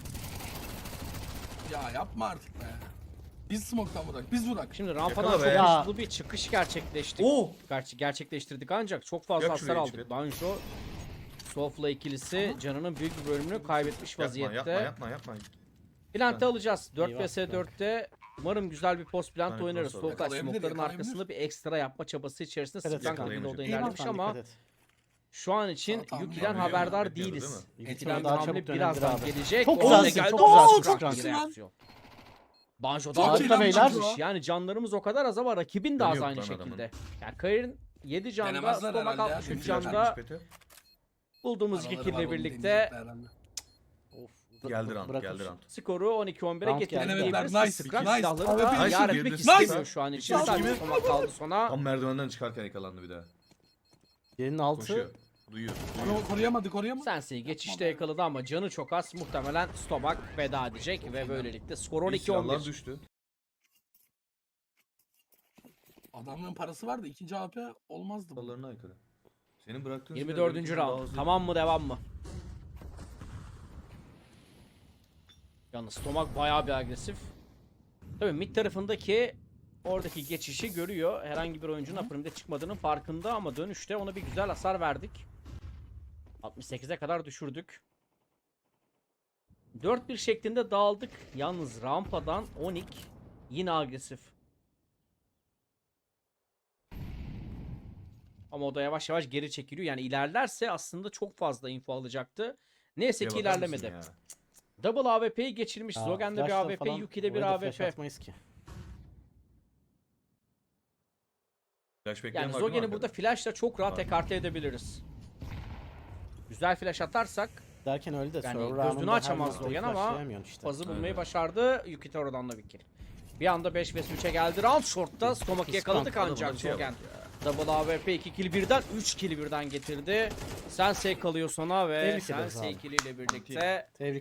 Speaker 1: Ya yapma artık be. Biz smoke'tan vurak, biz vurak.
Speaker 2: Şimdi rampadan
Speaker 4: Yakala
Speaker 2: çok
Speaker 4: be.
Speaker 3: Ya.
Speaker 2: hızlı bir çıkış gerçekleştik.
Speaker 4: Oo!
Speaker 2: Gerçekleştirdik ancak çok fazla
Speaker 4: Yak
Speaker 2: hasar
Speaker 4: şuraya
Speaker 2: aldık.
Speaker 4: içeri.
Speaker 2: Banjo, Sofla ikilisi canının büyük bir bölümünü kaybetmiş vaziyette.
Speaker 4: Yapma.
Speaker 2: Plant'ı alacağız. 4
Speaker 3: Eyvah,
Speaker 2: vs 4'te umarım güzel bir post plant
Speaker 4: Tane
Speaker 2: oynarız.
Speaker 4: cross
Speaker 2: Solkaç
Speaker 1: Yakalayabilir,
Speaker 2: smoke'ların
Speaker 1: yakalayabilir.
Speaker 2: arkasında bir ekstra yapma çabası içerisinde
Speaker 3: Evet,
Speaker 2: Sprank ile
Speaker 4: yakalayamayacak.
Speaker 2: orada
Speaker 3: Eyvah,
Speaker 2: ilerlemiş
Speaker 3: sen
Speaker 2: ama
Speaker 3: dikkat et.
Speaker 2: şu an için
Speaker 1: Tamam, tamam,
Speaker 2: Yuki'den
Speaker 1: tamam.
Speaker 2: haberdar
Speaker 4: Bekliyordu,
Speaker 2: değiliz.
Speaker 4: değil
Speaker 2: Yuki'den
Speaker 3: Yuki'den daha
Speaker 2: hamle
Speaker 3: çabuk dönebilir
Speaker 2: birazdan
Speaker 3: abi.
Speaker 2: gelecek.
Speaker 3: Çok
Speaker 2: O da
Speaker 3: güzelsin,
Speaker 2: geldi.
Speaker 3: çok
Speaker 2: Oo,
Speaker 3: güzelsin
Speaker 2: çok
Speaker 3: Frank.
Speaker 2: iyi reaksiyon. Banjo
Speaker 1: Çok
Speaker 2: daha
Speaker 1: iyi
Speaker 2: harika
Speaker 1: lan
Speaker 2: beyler.
Speaker 1: Banjo.
Speaker 2: Yani canlarımız o kadar az ama rakibin de az
Speaker 4: Dönüyor
Speaker 2: aynı
Speaker 4: lan
Speaker 2: şekilde.
Speaker 4: adamın.
Speaker 2: Yani Kayır'ın 7 canda,
Speaker 1: Denemezler
Speaker 2: Stomak
Speaker 1: herhalde ya.
Speaker 2: 63
Speaker 1: Çünkü
Speaker 2: canda
Speaker 4: Nispeti.
Speaker 2: bulduğumuz 2
Speaker 1: Araları
Speaker 2: kill
Speaker 1: var,
Speaker 2: ile
Speaker 1: onu
Speaker 2: birlikte
Speaker 1: deneyecekler herhalde.
Speaker 3: Of.
Speaker 4: Geldi round,
Speaker 3: bırakın.
Speaker 4: geldi round.
Speaker 2: skoru 12-11'e
Speaker 3: Round
Speaker 2: getirdik.
Speaker 3: geldi.
Speaker 2: diyebiliriz.
Speaker 1: Nice,
Speaker 2: Scratch
Speaker 1: nice.
Speaker 2: silahları da
Speaker 1: Nice,
Speaker 2: yar
Speaker 4: nice.
Speaker 2: etmek
Speaker 4: Nice.
Speaker 2: istemiyor şu an için.
Speaker 1: Nice.
Speaker 2: Sadece Stomak kaldı sona.
Speaker 4: Tam merdivenden çıkarken yakalandı bir daha.
Speaker 3: Yerinin altı.
Speaker 4: Koşuyor. Duyuyor.
Speaker 1: Onu koruyamadı.
Speaker 2: Sensei geçişte yakaladı ama canı çok az. Muhtemelen Stomak veda edecek ve böylelikle skor
Speaker 4: Bir silahlar
Speaker 2: 12-11.
Speaker 4: düştü.
Speaker 1: Adamların parası var da ikinci AP olmazdı bu.
Speaker 4: Kurallarına aykırı. Senin bıraktığın
Speaker 2: 24.
Speaker 4: silahlar
Speaker 2: round.
Speaker 4: daha hızlı.
Speaker 2: Tamam mı devam mı? Yalnız Stomak bayağı bir agresif. Tabii mid tarafındaki oradaki geçişi görüyor. Herhangi bir oyuncunun upper'ımda çıkmadığının farkında ama dönüşte ona bir güzel hasar verdik. 68'e kadar düşürdük. 4-1 şeklinde dağıldık. Yalnız rampadan Onyx yine agresif. Ama o da yavaş yavaş geri çekiliyor. Yani ilerlerse aslında çok fazla info alacaktı. Neyse ki
Speaker 4: Şeye bakar mısın
Speaker 2: ilerlemedi.
Speaker 4: ya?
Speaker 2: Double AWP'yi geçirmiş.
Speaker 3: Aa,
Speaker 2: Zogen'de bir
Speaker 3: flashla
Speaker 2: AWP,
Speaker 3: falan
Speaker 2: Yuki'de bir
Speaker 3: oraya da flash
Speaker 2: AWP.
Speaker 3: atmayız ki.
Speaker 4: Flash bekleyen
Speaker 2: Yani
Speaker 4: var değil mi
Speaker 2: Zogen'i
Speaker 4: arkada?
Speaker 2: burada flashla çok rahat
Speaker 4: Var.
Speaker 2: ekarte edebiliriz. Güzel flash atarsak
Speaker 3: Derken öyle de
Speaker 2: Yani
Speaker 3: server
Speaker 2: gözünü
Speaker 3: round'unda her
Speaker 2: açamaz
Speaker 3: noktayı
Speaker 2: Zogen ama
Speaker 3: flashlayamıyorsun işte.
Speaker 2: fazı bulmayı
Speaker 4: Aynen.
Speaker 2: başardı. Yukitero'dan da bir kill. Bir anda 5 vs 3'e geldi. Round short'ta Stomak'ı yakaladık
Speaker 4: Adamın
Speaker 2: ancak
Speaker 4: açıya bak
Speaker 2: Zogen.
Speaker 4: ya.
Speaker 2: Double AWP 2 kill birden 3 kill birden getirdi. Sensei kalıyor sona ve
Speaker 3: Tebrik ederiz
Speaker 2: Sensei
Speaker 3: abi.
Speaker 2: kill ile birlikte
Speaker 3: Tebrik